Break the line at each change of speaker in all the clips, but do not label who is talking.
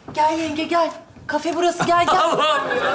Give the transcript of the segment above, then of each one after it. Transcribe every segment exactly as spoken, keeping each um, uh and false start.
Gel yenge gel. Kafe burası gel gel.
Allah'ım ya.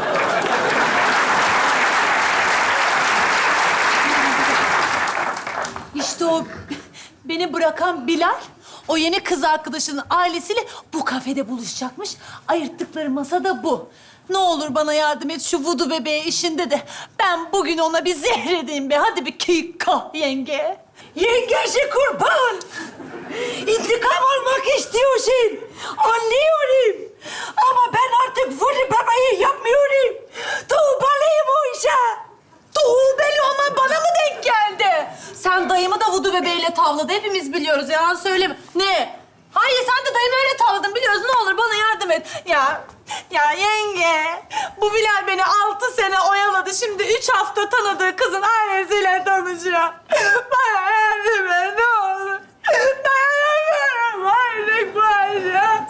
İşte o beni bırakan Bilal, o yeni kız arkadaşının ailesiyle bu kafede buluşacakmış. Ayırttıkları masa da bu. Ne olur bana yardım et şu vudu bebeği işinde de. Ben bugün ona bir zehredeyim be. Hadi bir kika yenge.
Yengesi kurban. İntikam almak istiyorsun. Anlıyorum. Ama ben artık vudu bebeği yapmıyorum. Tuğbalıyım o işe.
Tuğbeli olman bana mı denk geldi? Sen dayımı da vudu bebeğiyle tavladı. Hepimiz biliyoruz. Yalan söyleme. Ne? Hayır sen de dayımı öyle tavladın biliyoruz. Ne olur bana yardım et. Ya, ya yenge. Bu Bilal beni altı sene oyaladı. Şimdi üç hafta tanıdığı kızın ailesiyle tanışıyor. Bana yardım et ne olur. Dayanamıyorum artık bu aşağı.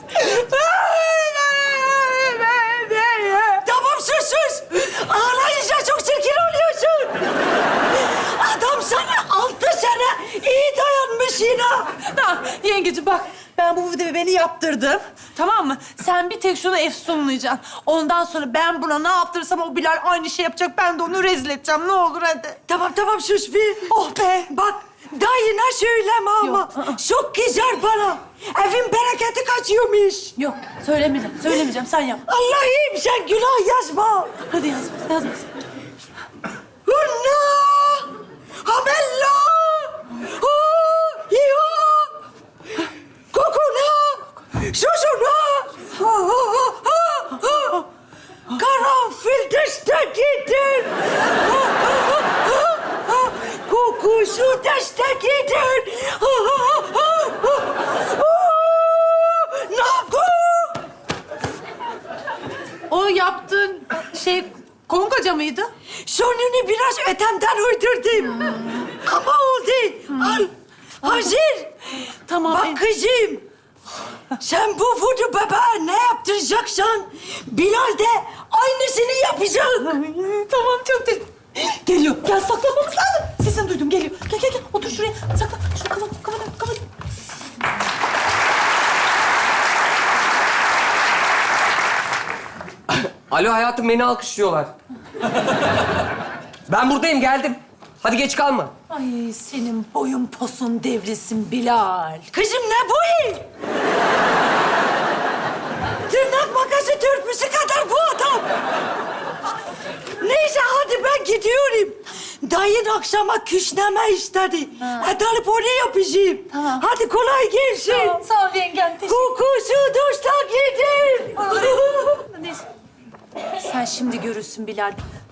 Tamam sus sus. Ağlayınca çok çirkin oluyorsun. Adam sana altı sene iyi dayanmış yine.
Tamam yengeciğim bak. Ben bu videoyu beni yaptırdım. Tamam mı? Sen bir tek şunu efsunlayacaksın. Ondan sonra ben buna ne yaptırırsam o Bilal aynı şey yapacak. Ben de onu rezil edeceğim. Ne olur hadi.
Tamam tamam sus bir.
Oh be.
Bak dayına söyleme ama.
Yok, ı-ı.
Çok kızar bana. Evin bereketi kaçıyormuş.
Yok söylemeyeceğim. Söylemeyeceğim. Sen yap.
Allah'ım sen günah yazma.
Hadi yazma. Yazma.
Hunna! Habella! Hu! Hiyo! Kokuna! Susuna! Ha, ha, ha, ha, ha. Karanfil destekidir! Ha, ha, ha, ha. Kokusu destekidir! Ha, ha, ha, ha. Hu! Naku!
O yaptığın şey kongaca mıydı?
Sonunu biraz ötemden uydurdum. Ama oldu. Al. Hazır.
Tamam.
Bak kızım. Sen bu vudu bebeğe ne yaptıracaksan Bilal de aynısını yapacak.
Tamam çok te... Geliyor. Gel saklanmamız lazım. Sesini duydum. Geliyor. Gel gel gel. Otur şuraya. Saklan. Şunu kapat. Kapat. Kapat.
Alo hayatım, beni alkışlıyorlar. Ben buradayım, geldim. Hadi geç kalma.
Ay senin boyun posun devrilsin Bilal.
Kızım ne bu? Tırnak makası törpüsü kadar bu adam. Neyse hadi ben gidiyorum. Dayın akşama küşneme istedi. Hadi alıp onu yapacağım.
Tamam.
Hadi kolay gelsin.
Tamam, sağ ol yengem. Teşekkür
Kokusu duşta gider.
ederim. Sen şimdi görürsün Bilal.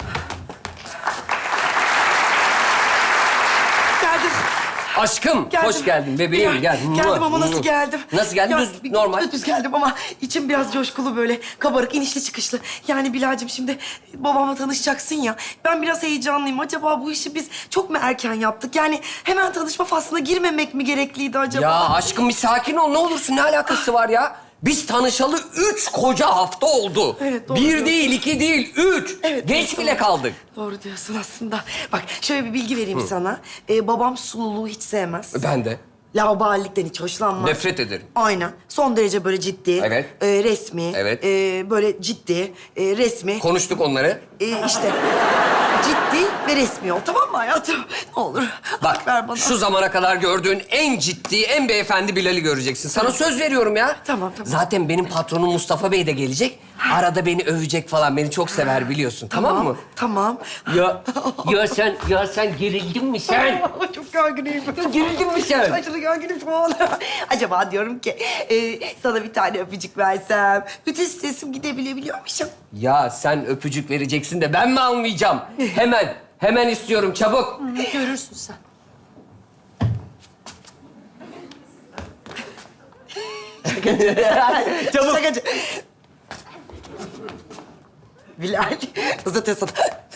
Geldim.
Aşkım,
Geldim.
hoş geldin bebeğim.
Gel-
Gel.
Geldim ama nasıl geldim?
Nasıl geldin?
Ya,
Düz, normal.
Düz geldim ama içim biraz coşkulu böyle. Kabarık, inişli çıkışlı. Yani Bilal'cim şimdi babamla tanışacaksın ya. Ben biraz heyecanlıyım. Acaba bu işi biz çok mu erken yaptık? Yani hemen tanışma faslına girmemek mi gerekliydi acaba?
Ya aşkım bir sakin ol, ne olursun. Ne alakası var ya? Biz tanışalı üç koca hafta oldu.
Evet, doğru
Bir
diyorsun.
değil, iki değil, üç.
Evet,
Geç
doğru.
bile kaldık.
Doğru diyorsun aslında. Bak şöyle bir bilgi vereyim sana. Ee, babam sululuğu hiç sevmez.
Ben de.
Laubalilikten hiç hoşlanmaz.
Nefret ederim.
Aynen. Son derece böyle ciddi.
Evet.
e, resmi.
Evet.
e, böyle ciddi, e, resmi.
Konuştuk onları.
E, işte ciddi ve resmi ol. Tamam mı hayatım? Ne olur.
Bak,
ver bana.
şu zamana kadar gördüğün en ciddi, en beyefendi Bilal'i göreceksin. Sana söz veriyorum ya.
Tamam, tamam.
Zaten benim patronum Mustafa Bey de gelecek. Arada beni övecek falan. Beni çok sever biliyorsun. Tamam, mı?
Tamam.
Ya, ya sen, ya sen gerildin mi sen?
Çok gerginim.
Gerildin mi sen?
Aşırı gerginim şu an. Acaba diyorum ki e, sana bir tane öpücük versem bütün stresim gidebilebiliyormuşum.
Ya sen öpücük vereceksin de ben mi almayacağım? Hemen, hemen istiyorum çabuk.
Görürsün sen.
Çabuk.
Şakacı. Bilal, uzatıyorsun.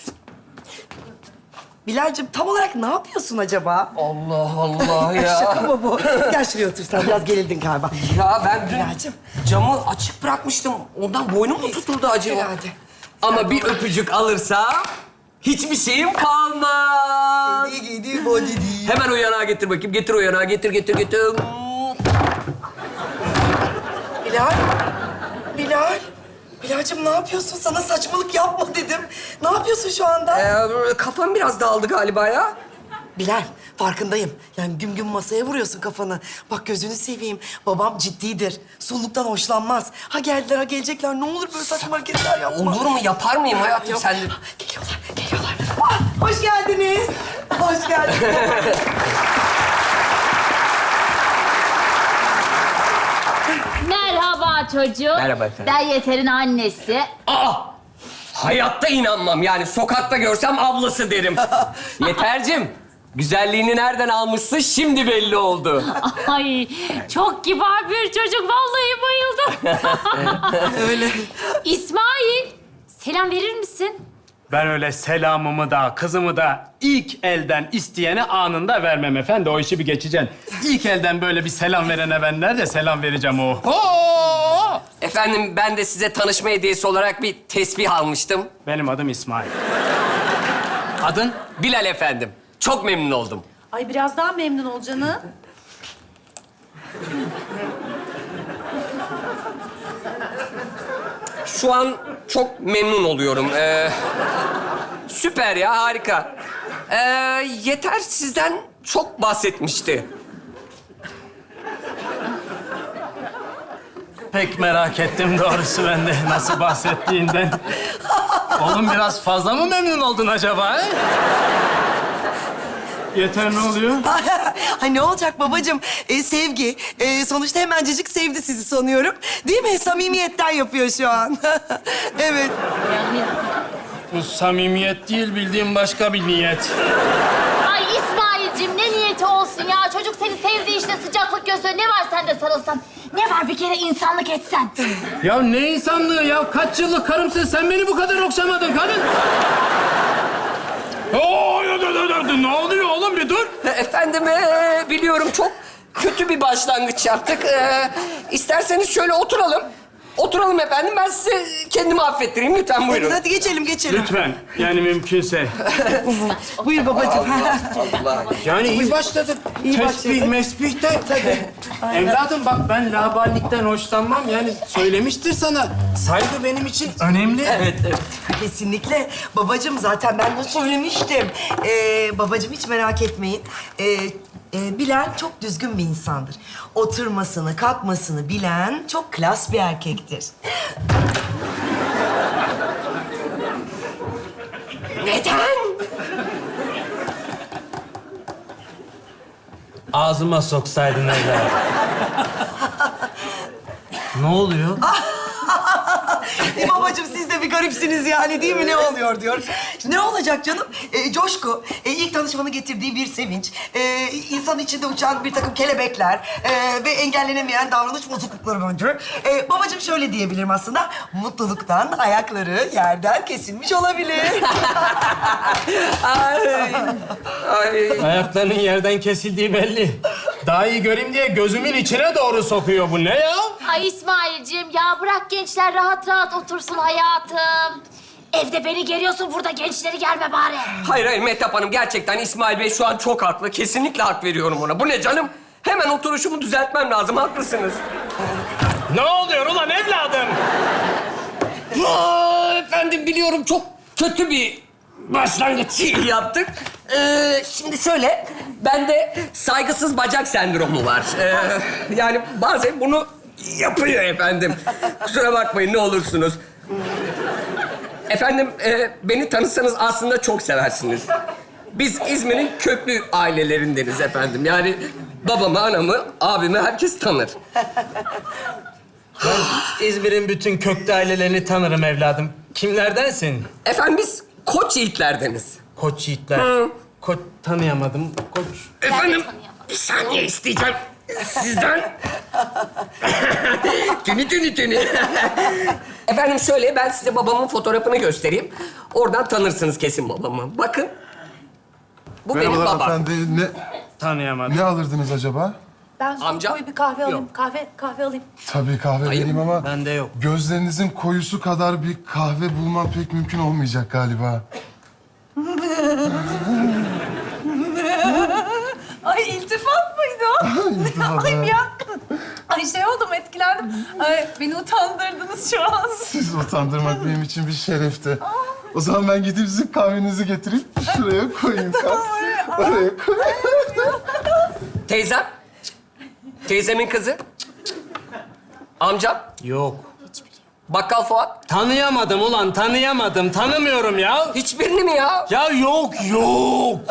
Bilal'cim tam olarak ne yapıyorsun acaba?
Allah Allah ya.
Şaka mı bu? Gel şuraya otur sen. Biraz gerildin galiba.
Ya ben dün
Bilal'cim.
camı açık bırakmıştım. Ondan boynum mu tutuldu acaba?
Herhalde.
Ama bir öpücük alırsam hiçbir şeyim kalmaz.
Ne giydi body değil.
Hemen o yanağı getir bakayım. Getir o yanağı. Getir, getir, getir.
Bilal, Bilal. Bilal'cim ne yapıyorsun? Sana saçmalık yapma dedim. Ne yapıyorsun şu anda?
Ee, kafam biraz dağıldı galiba ya.
Bilal, farkındayım. Yani güm güm masaya vuruyorsun kafanı. Bak gözünü seveyim. Babam ciddidir. Sulluktan hoşlanmaz. Ha geldiler, ha gelecekler. Ne olur böyle saçma hareketler yapma.
Olur mu? Yapar mıyım hayatım
Yok.
sen de?
Geliyorlar, geliyorlar. Ah, hoş geldiniz. Hoş geldiniz.
Merhaba çocuğum.
Merhaba efendim.
Ben Yeter'in annesi.
Aa! Hayatta inanmam yani. Sokakta görsem ablası derim. Yetercim, güzelliğini nereden almışsın şimdi belli oldu.
Ay çok kibar bir çocuk. Vallahi bayıldım.
Öyle.
İsmail, selam verir misin?
Ben öyle selamımı da, kızımı da ilk elden isteyene anında vermem efendi. O işi bir geçeceksin. İlk elden böyle bir selam verene ben nerede selam vereceğim o? Oo!
Efendim, ben de size tanışma hediyesi olarak bir tesbih almıştım.
Benim adım İsmail. Adın?
Bilal efendim. Çok memnun oldum.
Ay biraz daha memnun ol canım.
Şu an çok memnun oluyorum. Ee, süper ya, harika. Ee, Yeter sizden çok bahsetmişti.
Pek merak ettim doğrusu ben de nasıl bahsettiğinden. Oğlum biraz fazla mı memnun oldun acaba? He? Yeter ne oluyor?
Ay ne olacak babacığım? Ee, sevgi. Ee, sonuçta hemencecik sevdi sizi sanıyorum. Değil mi? Samimiyetten yapıyor şu an. Evet.
Bu samimiyet değil bildiğim başka bir niyet.
Ay İsmail'cim ne niyeti olsun ya? Çocuk seni sevdi işte, sıcaklık gösteriyor. Ne var sen de sarılsan? Ne var bir kere insanlık etsen?
Ya ne insanlığı ya? Kaç yıllık karımsın sen beni bu kadar okşamadın kadın. Oo, dur, dur, dur, dur. Ne oluyor oğlum bir dur.
Efendim, ee, biliyorum çok kötü bir başlangıç yaptık. Ee, isterseniz şöyle oturalım. Oturalım efendim. Ben size kendimi affettireyim. Lütfen buyurun.
Hadi geçelim, geçelim.
Lütfen yani mümkünse.
Buyur babacığım.
Allah.
Yani iyi başladık.
İyi
Tesbih,
başladık.
mesbih de. Evladım bak ben laballikten hoşlanmam. Yani söylemiştir sana. Saygı benim için önemli.
Evet, evet.
Kesinlikle. Babacığım zaten ben de söylemiştim. Ee, babacığım hiç merak etmeyin. Ee, e, Bilal çok düzgün bir insandır. Oturmasını, kalkmasını bilen çok klas bir erkektir.
Neden?
Ağzıma soksaydın evladım. Ne oluyor?
E, babacığım siz de bir garipsiniz yani değil mi? Ne oluyor diyor. Ne olacak canım? E, coşku, e, ilk tanışmanın getirdiği bir sevinç, e, insan içinde uçan bir takım kelebekler e, ve engellenemeyen davranış bozuklukları bence. E, babacığım şöyle diyebilirim aslında, mutluluktan ayakları yerden kesilmiş olabilir.
Ay. Ay.
Ayaklarının yerden kesildiği belli. Daha iyi göreyim diye gözümün içine doğru sokuyor bu. Ne ya?
Ay İsmail'cim ya bırak gençler rahat rahat otursun hayatım. Evde beni geriyorsun, burada gençleri germe bari.
Hayır hayır Mehtap Hanım, gerçekten İsmail Bey şu an çok haklı. Kesinlikle hak veriyorum ona. Bu ne canım? Hemen oturuşumu düzeltmem lazım. Haklısınız.
Ne oluyor ulan evladım?
Aa, efendim biliyorum çok kötü bir başlangıç yaptık. Ee, şimdi şöyle, bende saygısız bacak sendromu var. Ee, yani bazen bunu yapıyor efendim. Kusura bakmayın ne olursunuz. Efendim, e, beni tanısanız aslında çok seversiniz. Biz İzmir'in köklü ailelerindeniz efendim. Yani babamı, anamı, abimi herkes tanır.
İzmir'in bütün köklü ailelerini tanırım evladım. Kimlerdensin?
Efendim biz Koç yiğitlerdeniz.
Koç yiğitler.
Hı.
Koç tanıyamadım. Koç.
Efendim,
tanıyamadım.
bir saniye isteyeceğim sizden. tünü tünü tünü. Efendim şöyle, ben size babamın fotoğrafını göstereyim. Oradan tanırsınız kesin babamı. Bakın. Bu benim
Merhabalar
babam.
efendi. Ne,
Tanıyamadım.
ne alırdınız acaba?
Ben soğuk
Amca?
koyu bir kahve alayım.
Yok.
Kahve, kahve alayım.
Tabii kahve vereyim ama...
Bende yok.
Gözlerinizin koyusu kadar bir kahve bulmam pek mümkün olmayacak galiba.
Ay iltifat mıydı o?
İltifat,
Ay
ha.
ya. Ay şey oldum, etkilendim. Ay beni utandırdınız şu an.
Sizi utandırmak benim için bir şerefti. O zaman ben gidip sizin kahvenizi getireyim. Şuraya koyayım kahveyi. Oraya koyayım.
Teyzem. Teyzemin kızı. Amcam.
Yok.
Bakkal Fuat.
Tanıyamadım ulan, tanıyamadım. Tanımıyorum ya.
Hiçbirini mi ya?
Ya yok, yok.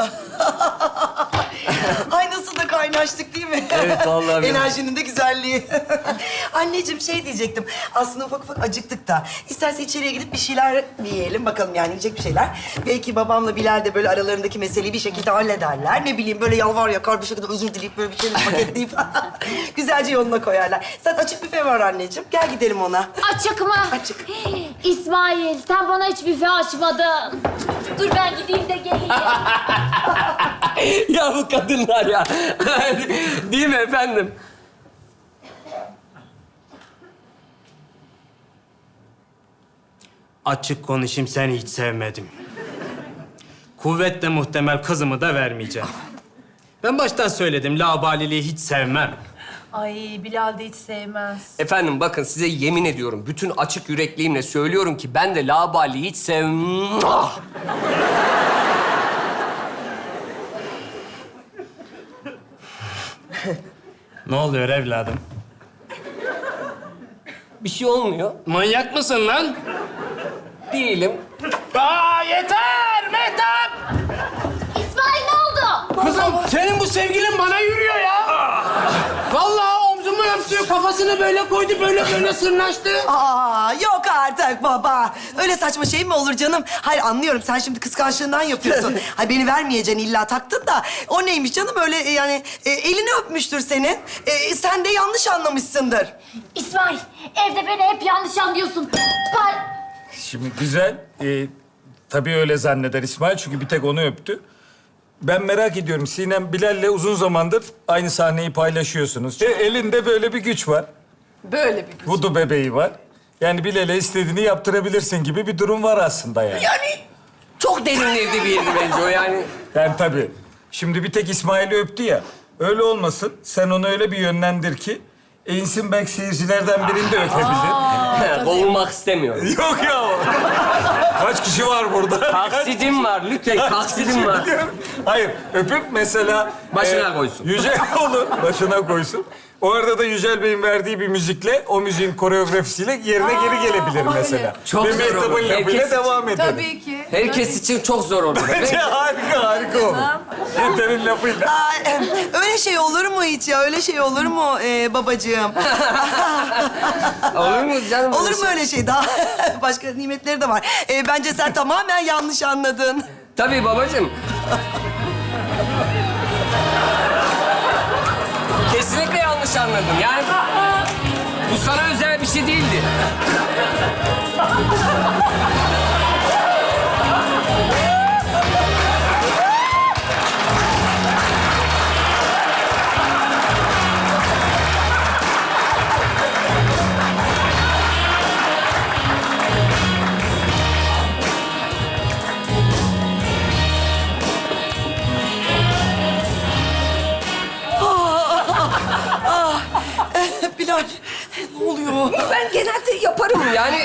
Ay nasıl da kaynaştık değil mi?
Evet, vallahi billahi.
Enerjinin de güzelliği. Anneciğim şey diyecektim. Aslında ufak ufak acıktık da. İstersen içeriye gidip bir şeyler yiyelim. Bakalım yani yiyecek bir şeyler. Belki babamla Bilal de böyle aralarındaki meseleyi bir şekilde hallederler. Ne bileyim böyle yalvar yakar bir şekilde özür dileyip böyle bir şeyler paketleyip güzelce yoluna koyarlar. Zaten açık büfe var anneciğim. Gel gidelim ona.
Açık mı?
Açık.
İsmail, sen bana hiç büfe açmadın. Dur ben gideyim de geleyim.
Ya bu kadınlar ya. Değil mi efendim?
Açık konuşayım, seni hiç sevmedim. Kuvvetle muhtemel kızımı da vermeyeceğim. Ben baştan söyledim, labaliliği hiç sevmem.
Ay Bilal de hiç sevmez.
Efendim bakın size yemin ediyorum. Bütün açık yürekliğimle söylüyorum ki ben de laubaliyi hiç sevmem. Ah!
Ne oluyor evladım?
Bir şey olmuyor.
Manyak mısın lan?
Değilim.
Aa yeter Mehtap!
İsmail ne oldu?
Kızım senin bu sevgilin bana yürüyor ya. Vallahi omzumu öptü, kafasını böyle koydu, böyle böyle sırnaştı.
Aa yok artık baba. Öyle saçma şey mi olur canım? Hayır anlıyorum. Sen şimdi kıskançlığından yapıyorsun. Hayır beni vermeyeceksin illa taktın da. O neymiş canım öyle e, yani e, elini öpmüştür senin. E, sen de yanlış anlamışsındır.
İsmail, evde beni hep yanlış anlıyorsun. Ben...
Şimdi güzel. Ee, tabii öyle zanneder İsmail çünkü bir tek onu öptü. Ben merak ediyorum. Sinem Bilal'le uzun zamandır aynı sahneyi paylaşıyorsunuz. E, elinde böyle bir güç var.
Böyle bir güç.
Vudu bebeği var. Yani Bilal'e istediğini yaptırabilirsin gibi bir durum var aslında yani.
Yani çok derinledi bir yeri bence o yani.
Yani tabii. Şimdi bir tek İsmail'i öptü ya. Öyle olmasın. Sen onu öyle bir yönlendir ki... Einstein belki seyircilerden birini de öpebilir.
Kovulmak istemiyorum.
Yok ya. Kaç kişi var burada?
Taksidim var lütfen, taksidim var.
Hayır, öpüp mesela...
Başına koysun.
Yücel olur, başına koysun. O arada da Yücel Bey'in verdiği bir müzikle, o müziğin koreografisiyle yerine geri gelebilir mesela.
Çok
Ve
zor
Mehtap'ın
olur.
lafıyla
Herkes
devam ederiz.
Tabii ki.
Herkes için çok zor olur.
Bence harika, harika olur. Yeter'in lafıyla.
Aa, em, öyle şey olur mu hiç ya? Öyle şey olur mu e, babacığım?
Olur mu canım?
Olur mu öyle şey? Daha başka nimetleri de var. E, bence sen tamamen yanlış anladın.
Tabii babacığım. Kesinlikle yanlış anladım. Yani bu sana özel bir şey değildi.
Bilal, ne oluyor?
Ben genelde yaparım yani.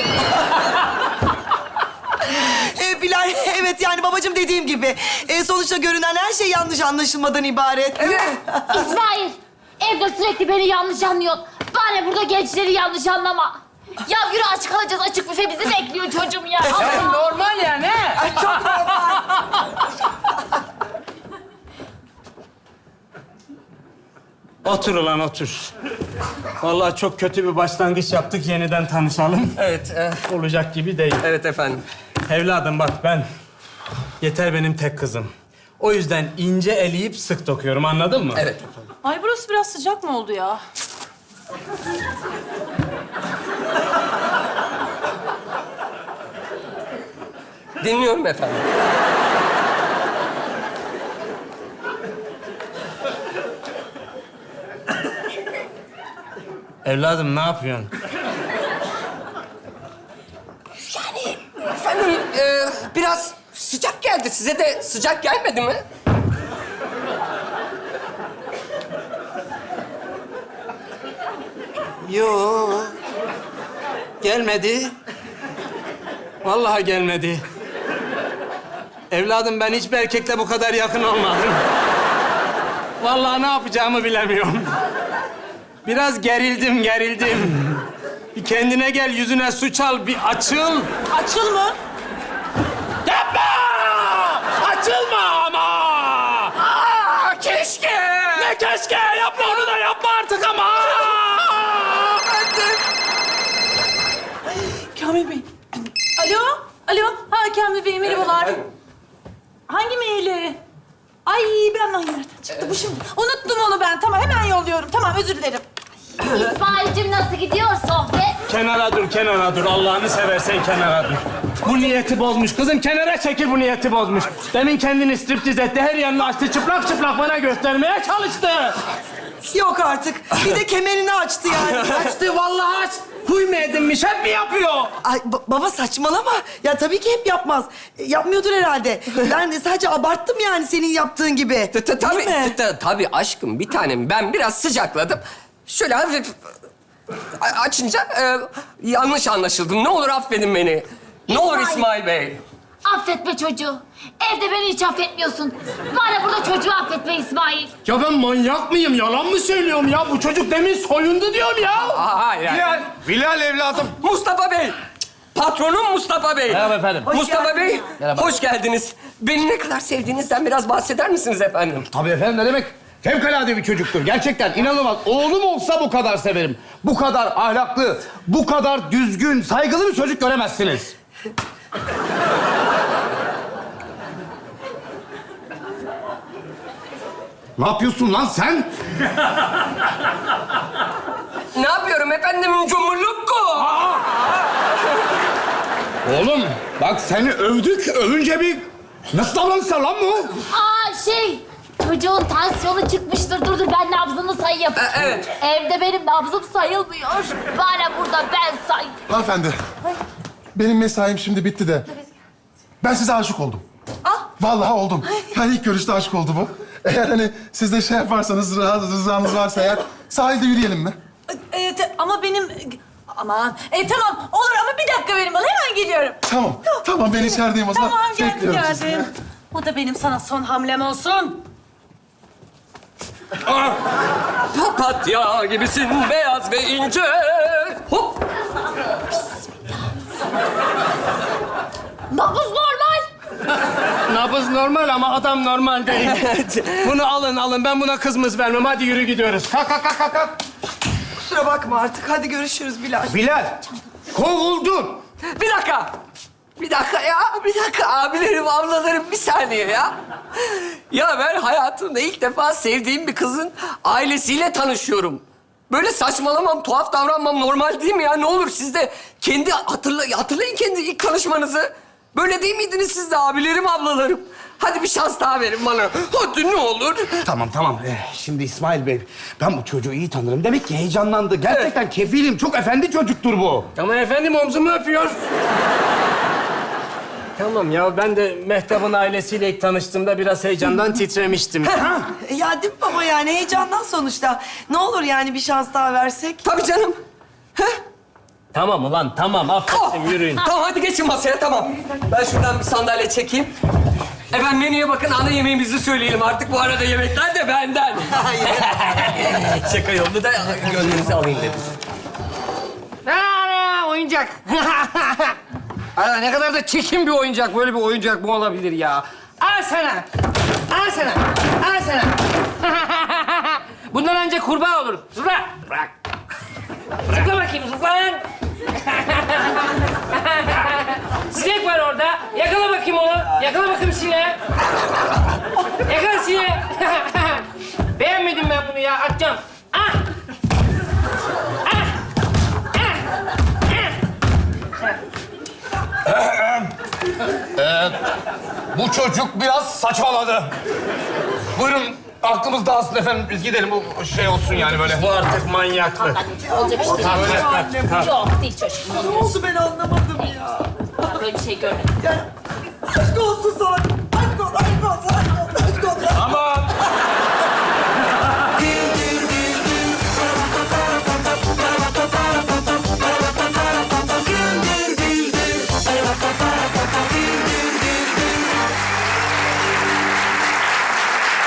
E, Bilal, evet yani babacığım dediğim gibi. E, sonuçta görünen her şey yanlış anlaşılmadan ibaret.
İsmail, evde sürekli beni yanlış anlıyorsun. Bari burada gençleri yanlış anlama. Ya yürü aç kalacağız. Açık büfe bizi bekliyor çocuğum ya. Allah.
Normal yani. he?
Çok normal.
Otur ulan otur. Vallahi çok kötü bir başlangıç yaptık. Yeniden tanışalım.
Evet, e,
Olacak gibi değil.
evet efendim.
Evladım bak ben... Yeter benim tek kızım. O yüzden ince eleyip sık dokuyorum, anladın mı?
Evet efendim.
Ay burası biraz sıcak mı oldu ya?
Dinliyorum efendim.
Evladım ne yapıyorsun?
Efendim, e, biraz sıcak geldi. Size de sıcak gelmedi mi?
Yo. Gelmedi. Vallahi gelmedi. Evladım ben hiçbir erkekle bu kadar yakın olmadım. Vallahi ne yapacağımı bilemiyorum. Biraz gerildim, gerildim. Bir kendine gel, yüzüne su çal, bir açıl.
Açıl mı?
Yapma! Açılma ama! Aa, keşke! Ne keşke? Yapma onu da yapma artık ama!
Kamil Bey. Alo? Alo? Ha Kamil Bey, merhabalar. Hangi maili? Ay ben hangi nereden çıktı bu şimdi? Unuttum onu ben. Tamam hemen yolluyorum. Tamam özür dilerim.
İsmail'cim nasıl gidiyor sohbet?
Kenara dur, kenara dur. Allah'ını seversen kenara dur. Bu niyeti bozmuş. Kızım kenara çekil, bu niyeti bozmuş. Demin kendini striptiz etti. Her yerini açtı. Çıplak çıplak bana göstermeye çalıştı.
Yok artık. Bir de kemerini açtı yani.
Açtı vallahi aç. Huy mu edinmiş? Hep mi yapıyor?
Ay ba- baba saçmalama. Ya tabii ki hep yapmaz. E, yapmıyordur herhalde. Ben de sadece abarttım yani senin yaptığın gibi.
T- t- Tabii,
Değil mi?
t- t- tabii aşkım bir tanem. Ben biraz sıcakladım. Şöyle hafif a- açınca e, yanlış anlaşıldım. Ne olur affedin beni. Ne olur
İsmail.
İsmail Bey.
Affetme çocuğu. Evde beni hiç affetmiyorsun. Bari burada çocuğu affetme İsmail.
Ya ben manyak mıyım? Yalan mı söylüyorum ya? Bu çocuk demin soyundu diyorum ya.
Aa, hayır, hayır.
Bilal, Bilal evladım.
Mustafa Bey. Patronum Mustafa Bey.
Merhaba efendim.
Mustafa Bey,
Merhaba.
hoş geldiniz. Beni ne kadar sevdiğinizden biraz bahseder misiniz efendim?
Tabii efendim ne demek? Fevkalade bir çocuktur. Gerçekten inanılmaz. Oğlum olsa bu kadar severim. Bu kadar ahlaklı, bu kadar düzgün, saygılı bir çocuk göremezsiniz. Ne yapıyorsun lan sen?
Ne yapıyorum efendim? Cumhurlukku.
Oğlum bak seni övdük, övünce bir... Nasıl davranışlar lan bu?
Aa şey, çocuğun tansiyonu çıkmıştır. Dur dur ben nabzını sayayım.
E, evet.
Evde benim nabzım sayılmıyor. Bari burada ben say.
Hanımefendi, benim mesaim şimdi bitti de ben size aşık oldum.
Ah.
Vallahi oldum. Yani ilk görüşte aşık oldu bu. Eğer hani siz de şey yaparsanız, rızanız rızanız varsa eğer sahilde yürüyelim mi?
Evet ama benim... Aman. E tamam olur ama bir dakika verin bana. Hemen geliyorum.
Tamam, tamam ben içerideyim o zaman.
Tamam geldim
Bekliyorum sizi.
geldim. Bu da benim sana son hamlem olsun.
Papatya gibisin beyaz ve ince. Hop.
Nabız normal.
Nabız normal ama adam normal değil. Bunu alın alın. Ben buna kızmız vermem. Hadi yürü gidiyoruz. Kalk kalk kalk kalk, kalk.
Kusura bakma artık. Hadi görüşürüz Bilal.
Bilal, kovuldun.
Bir dakika. Bir dakika ya. Bir dakika abilerim, ablalarım bir saniye ya. Ya ben hayatımda ilk defa sevdiğim bir kızın ailesiyle tanışıyorum. Böyle saçmalamam, tuhaf davranmam normal değil mi ya? Ne olur siz de kendi hatırla, hatırlayın kendi ilk tanışmanızı. Böyle değil miydiniz siz de abilerim, ablalarım? Hadi bir şans daha verin bana. Hadi ne olur.
Tamam tamam. Ee, şimdi İsmail Bey, ben bu çocuğu iyi tanırım. Demek ki heyecanlandı. Gerçekten kefilim. Çok efendi çocuktur bu.
Ama efendim omzumu öpüyor. Tamam ya ben de Mehtap'ın ailesiyle ilk tanıştığımda biraz heyecandan titremiştim.
E, Ya değil mi baba yani heyecandan sonuçta. Ne olur yani bir şans daha versek.
Tabii canım.
Tamam ulan tamam affettim yürüyün.
Tamam hadi geçin masaya tamam. Ben şuradan bir sandalye çekeyim. Efendim menüye bakın ana yemeğimizi söyleyelim artık. Bu arada yemekler de benden. Şaka yolunu da gönlünüzü alayım dedim.
Aa, oyuncak. Aa, ne kadar da çirkin bir oyuncak. Böyle bir oyuncak mı olabilir ya? Al sana. Al sana. Al sana. Bundan önce kurbağa olur. Zıpla. Bırak. Zıpla bakayım, zıpla lan. Sinek var orada. Yakala bakayım onu. Yakala bakayım sineği. Yakala sineği. Beğenmedim ben bunu ya. Atacağım. Ah.
Bu çocuk biraz saçmaladı. Buyurun, aklımız dağılsın efendim. Biz gidelim, bu şey olsun yani böyle.
Bu artık manyaklık.
Olacak işte.
Öyle.
Yok değil çocuğum.
Ne oldu ben anlamadım ya.
Ben böyle bir şey görmedim.
Aşk olsun sana. Aşk olsun, aşk olsun, aşk olsun, aşk olsun.
Ama